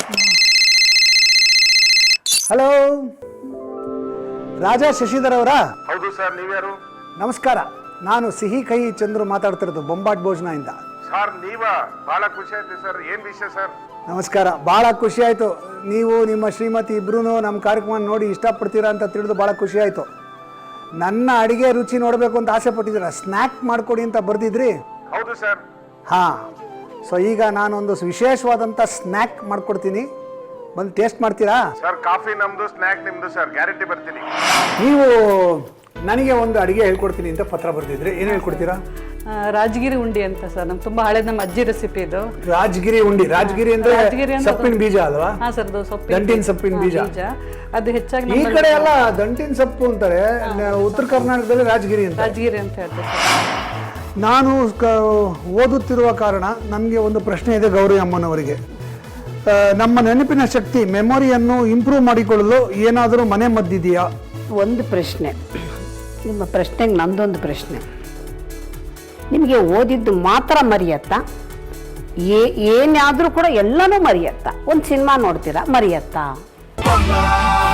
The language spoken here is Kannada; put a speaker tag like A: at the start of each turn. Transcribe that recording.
A: ಹಲೋ, ರಾಜಾ ಶಶಿಧರ್ ಅವರಾ?
B: ಹೌದು ಸರ್, ನೀವ್ಯಾರು?
A: ನಮಸ್ಕಾರ, ನಾನು ಸಿಹಿ ಕೈ ಚಂದ್ರು ಮಾತಾಡ್ತಿರೋದು ಬೊಂಬಾಟ್ ಭೋಜನದಿಂದ.
B: ಸರ್ ನೀವಾ? ಬಹಳ ಖುಷಿ ಆಯ್ತು ಸರ್. ಏನ್ ವಿಷಯ ಸರ್?
A: ನಮಸ್ಕಾರ, ಭಾಳ ಖುಷಿ ಆಯಿತು. ನೀವು ನಿಮ್ಮ ಶ್ರೀಮತಿ ಇಬ್ಬರೂ ನಮ್ಮ ಕಾರ್ಯಕ್ರಮ ನೋಡಿ ಇಷ್ಟಪಡ್ತೀರಾ ಅಂತ ತಿಳಿದು ಭಾಳ ಖುಷಿ ಆಯಿತು. ನನ್ನ ಅಡುಗೆ ರುಚಿ ನೋಡಬೇಕು ಅಂತ ಆಸೆ ಪಟ್ಟಿದ್ದೀರಾ, ಸ್ನ್ಯಾಕ್ ಮಾಡಿಕೊಡಿ ಅಂತ ಬರೆದಿದ್ರಿ.
B: ಹೌದು ಸರ್.
A: ಹಾಂ, ಸೊ ಈಗ ನಾನೊಂದು ವಿಶೇಷವಾದಂಥ ಸ್ನ್ಯಾಕ್ ಮಾಡಿಕೊಡ್ತೀನಿ, ಬಂದು ಟೇಸ್ಟ್ ಮಾಡ್ತೀರಾ?
B: ಸರ್ ಕಾಫಿ ನಮ್ದು, ಸ್ನ್ಯಾಕ್ ನಿಮ್ದು ಸರ್, ಗ್ಯಾರಂಟಿ ಬರ್ತೀನಿ.
A: ನೀವು ನನಗೆ ಒಂದು ಅಡುಗೆ ಹೇಳ್ಕೊಡ್ತೀನಿ ಅಂತ ಪತ್ರ ಬರೆದಿದ್ರಿ, ಏನು ಹೇಳ್ಕೊಡ್ತೀರಾ?
C: ರಾಜಗಿರಿ ಉಂಡಿ ಅಂತ ಸರ್, ನಮ್ಗೆ ತುಂಬಾ ಹಳೇದು, ನಮ್ಮ ಅಜ್ಜಿ ರೆಸಿಪಿ ಇದು.
A: ರಾಜಗಿರಿ ಉಂಡಿ. ರಾಜಗಿರಿ ಅಂದ್ರೆ ಸೊಪ್ಪಿನ ಬೀಜ ಅಲ್ವಾ?
C: ಹಾ ಸರ್,
A: ದಂಟಿನ ಸೊಪ್ಪಿನ ಬೀಜ.
C: ಅದು ಹೆಚ್ಚಾಗಿ
A: ಈ ಕಡೆ ಎಲ್ಲ ದಂಟಿನ ಸೊಪ್ಪು ಅಂತಾರೆ, ಉತ್ತರ ಕರ್ನಾಟಕದಲ್ಲಿ ರಾಜಗಿರಿ ಅಂತ.
C: ರಾಜಗಿರಿ ಅಂತ ಹೇಳ್ತಾರೆ ಸರ್.
A: ನಾನು ಓದುತ್ತಿರುವ ಕಾರಣ ನನಗೆ ಒಂದು ಪ್ರಶ್ನೆ ಇದೆ ಗೌರಿ ಅಮ್ಮನವರಿಗೆ. ನಮ್ಮ ನೆನಪಿನ ಶಕ್ತಿ, ಮೆಮೊರಿಯನ್ನು ಇಂಪ್ರೂವ್ ಮಾಡಿಕೊಳ್ಳಲು ಏನಾದರೂ ಮನೆ ಮದ್ದಿದೆಯಾ?
D: ಒಂದು ಪ್ರಶ್ನೆ, ನಿಮ್ಮ ಪ್ರಶ್ನೆಗೆ ನಂದೊಂದು ಪ್ರಶ್ನೆ. ನಿಮಗೆ ಓದಿದ್ದು ಮಾತ್ರ ಮರೆಯತ್ತಾ? ಏನಾದರೂ ಕೂಡ ಎಲ್ಲನೂ ಮರೆಯತ್ತಾ? ಒಂದು ಸಿನಿಮಾ ನೋಡ್ತೀರಾ, ಮರೆಯತ್ತಾ?